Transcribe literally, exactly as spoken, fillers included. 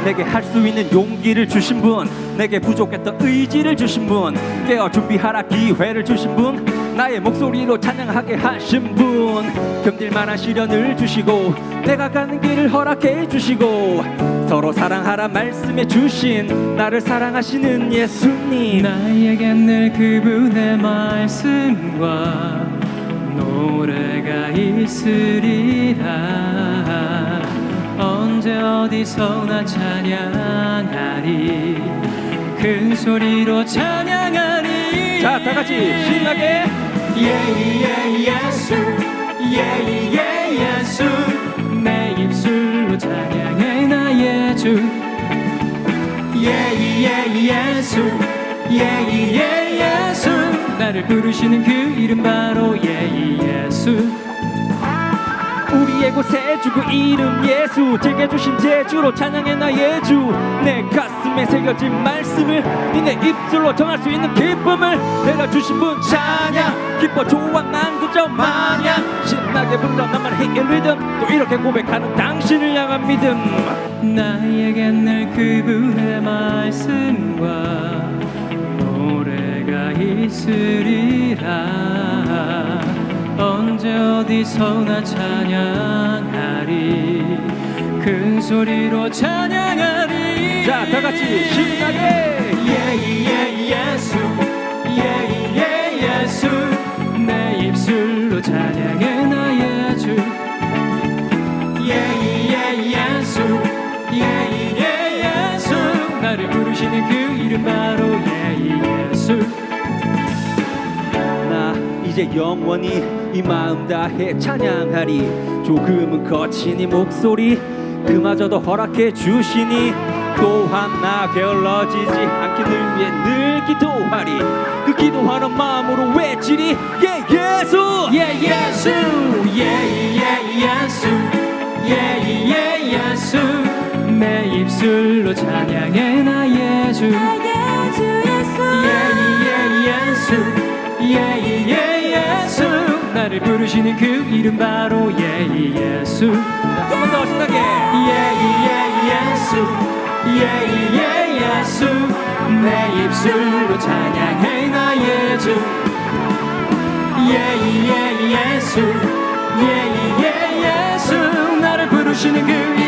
내게 할 수 있는 용기를 주신 분, 내게 부족했던 의지를 주신 분, 깨어 준비하라 기회를 주신 분, 나의 목소리로 찬양하게 하신 분, 견딜 만한 시련을 주시고 내가 가는 길을 허락해 주시고 서로 사랑하라 말씀해 주신 나를 사랑하시는 예수님. 나에겐 늘 그분의 말씀과 노래가 있으리라. 언제 어디서나 찬양하리, 큰 소리로 찬양하리. 자, 다 같이 신나게. 예예 예수, 예예 예수, 내 입술로 찬양해 나의 주. 예예 예수, 예예 예수, 나를 부르시는 그 이름 바로 예예 예수. 우리의 곳에 주그 이름 예수, 제게 주신 제주로 찬양해 나의 주. 내 가슴에 새겨진 말씀을 니네 입술로 전할 수 있는 기쁨을 내려주신 분 찬양. 기뻐 좋아 난 그저 마냥 신나게 불러 나만의 리듬, 또 이렇게 고백하는 당신을 향한 믿음. 나에겐 늘 그분의 말씀과 노래가 있으리라. 언제 어디서나 찬양하리, 큰 소리로 찬양하리. 자, 다 같이 신나게. 예예 예수, 예예 예수, 내 입술로 찬양해 나의 주. 예예 예수, 예예 예수, 나를 부르시는 그 이름 바로 예예 예수. 나 이제 영원히 이 마음 다해 찬양하리. 조금은 거친 이 목소리 그마저도 허락해 주시니 또한 나 게을러지지 않기를 위해 늘 기도하리. 그 기도하는 마음으로 외치리. 예 예수, 예 예수, 예예 예수, 예예 예수, 내 입술로 찬양해 나의 주. 예예 예수, 예예 예수, 나를 부르시는 그 이름 바로 예예 예수. 한 번 더 신나게. 예예 예수, 예예 예수, 내 입술로 찬양해 나의 주. 예예 예수, 예예 예수, 나를 부르시는 그